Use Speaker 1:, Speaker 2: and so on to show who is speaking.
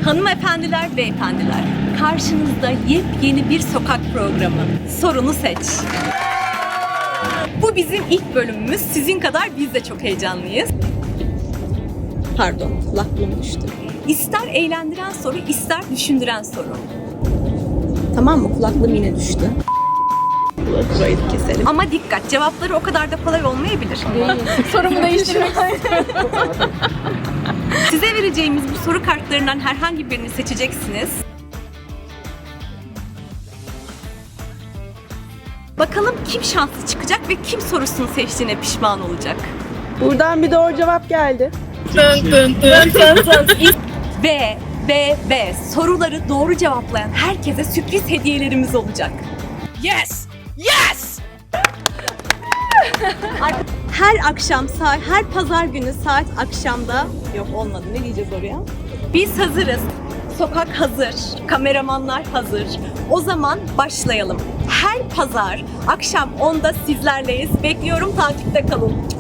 Speaker 1: Hanımefendiler, beyefendiler, karşınızda yepyeni bir sokak programı. Sorunu seç. Bu bizim ilk bölümümüz. Sizin kadar biz de çok heyecanlıyız. Pardon, kulaklığım düştü. İster eğlendiren soru, ister düşündüren soru. Tamam mı? Kulaklığım yine düştü. Burayı da keselim. Ama dikkat, cevapları o kadar da kolay olmayabilir.
Speaker 2: Sorumu değiştirmek
Speaker 1: Size vereceğimiz bu soru kartlarından herhangi birini seçeceksiniz. Bakalım kim şanslı çıkacak ve kim sorusunu seçtiğine pişman olacak.
Speaker 3: Buradan bir doğru cevap geldi.
Speaker 1: Ve soruları doğru cevaplayan herkese sürpriz hediyelerimiz olacak.
Speaker 2: Yes! Yes!
Speaker 1: Her akşam her pazar günü saat akşamda yok olmadı ne diyeceğiz oraya? Biz hazırız. Sokak hazır. Kameramanlar hazır. O zaman başlayalım. Her pazar akşam 10'da sizlerleyiz. Bekliyorum, takipte kalın.